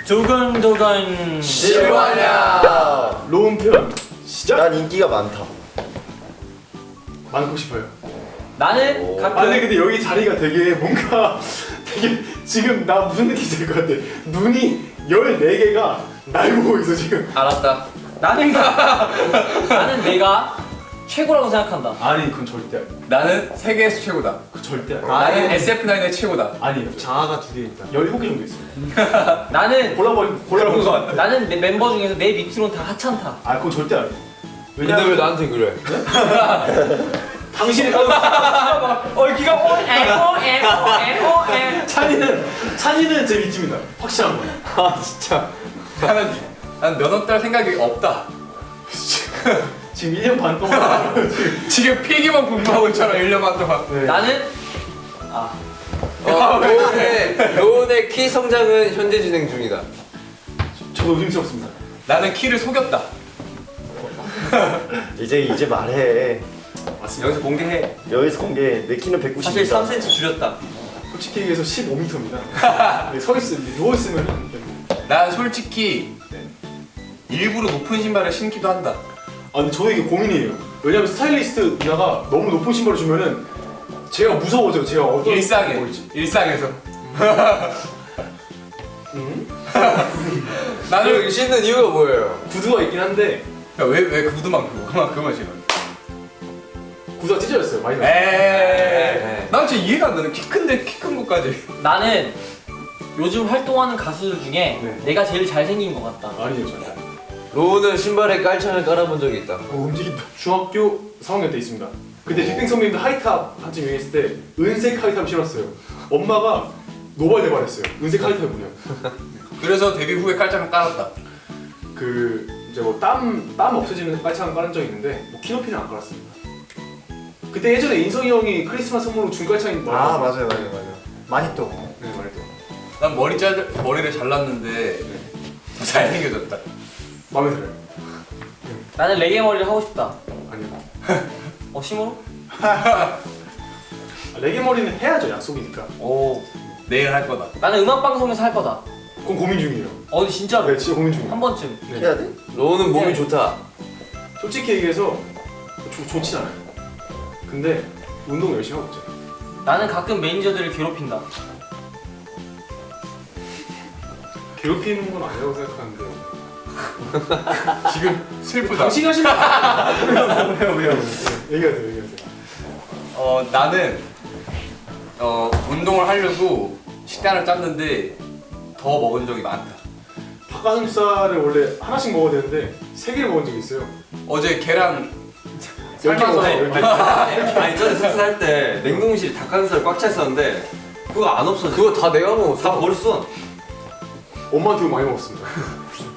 두근두근 실화냐? 로운 편 시작. 난 인기가 많다. 많고 싶어요. 나는 오. 가끔 아니 근데 여기 자리가 되게 뭔가 되게 지금 나 무슨 느낌인지 알 것 같아. 눈이 14개가 날 보고 있어 지금. 알았다. 나는 내가 최고라고 생각한다. 아니 그건 절대 아니야. 나는 세계에서 최고다. 그 절대 아니야. 나는 SF9의 최고다. 아니에요. 장화가 2개 있다. 17개 정도 있어. 나는 골라버린 거 같아. 나는 내 멤버 중에서 내 밑으로는 다 하찮다. 아 그건 절대 아니야. 근데 왜 나한테 그래? 당신이 기가 오에 찬이는 제 밑입니다. 확실한 거야. 아 진짜. 난 면허 딸 생각이 없다. 지금 1년 반 동안 지금 필기만 공부하고 있잖아 1년 반 동안. 네. 나는 로운의 키 성장은 현재 진행 중이다. 저도 의심스럽습니다. 나는 키를 속였다. 이제 말해. 맞습니다. 여기서 공개해. 여기서 공개. 내 키는 190이다. 사실 3cm 줄였다. 솔직히 얘기해서 15m입니다. 서 있으면 누워 있으면 난 솔직히 네. 일부러 높은 신발을 신기도 한다. 아 근데 저도 이게 고민이에요. 왜냐면 스타일리스트 누나가 너무 높은 신발을 주면은 제가 무서워져요. 제가 어떤 일상에 보일지. 일상에서. 나는 나는 신는 이유가 뭐예요? 구두가 있긴 한데 왜 구두만 그거만 신어? 구두가 찢어졌어요. 많이 났어요. 에이. 난 진짜 이해가 안 되는 키 큰데 키 큰 것까지. 나는 요즘 활동하는 가수들 중에 네. 내가 제일 잘생긴 것 같다. 아니에요 절대. 로운은 신발에 깔창을 깔아본 적이 있다. 움직인다. 중학교 4학년 때 있습니다. 그때 빅뱅 선배님도 하이탑 한참 유행했을 때 은색 하이탑 신었어요. 엄마가 노발대발했어요. 은색 하이탑이 뭐냐. 그래서 데뷔 후에 깔짝을 깔았다. 그 이제 뭐 땀 없어지는 깔창 깔은 적이 있는데 뭐 키높이는 안 깔았습니다. 그때 예전에 인성이 형이 크리스마스 선물로 준 깔창이 맞아요. 많이 또. 네 말했죠. 난 머리를 잘랐는데 더 잘생겨졌다. 마음에 들어요. 나는 레게 머리를 하고 싶다. 아니요. 심으로? 레게 머리는 해야죠. 약속이니까. 오. 내일 할 거다. 나는 음악 방송에서 할 거다. 그건 고민 중이에요. 근데 진짜로 네 진짜 고민 중이에요. 한 번쯤. 네. 해야 돼? 로운은 몸이 네. 좋다. 솔직히 얘기해서 좋진 않아요. 근데 운동 열심히 하고 있죠. 나는 가끔 매니저들을 괴롭힌다. 괴롭히는 건 아니라고 생각하는데. 지금 슬프다. 당신 하시면 왜요? 얘기하세요. 나는 운동을 하려고 식단을 짰는데 더 먹은 적이 많다. 닭가슴살을 원래 하나씩 먹어야 되는데 3개를 먹은 적이 있어요. 어제 계란 10개 삶아서 먹어요. 10개. 아니 전에 숙소할 때 냉동실에 닭가슴살 꽉 차 있었는데 그거 안 없어져. 그거 다 내가 먹었어. 다 버렸어. 엄마한테 이거 많이 먹었습니다.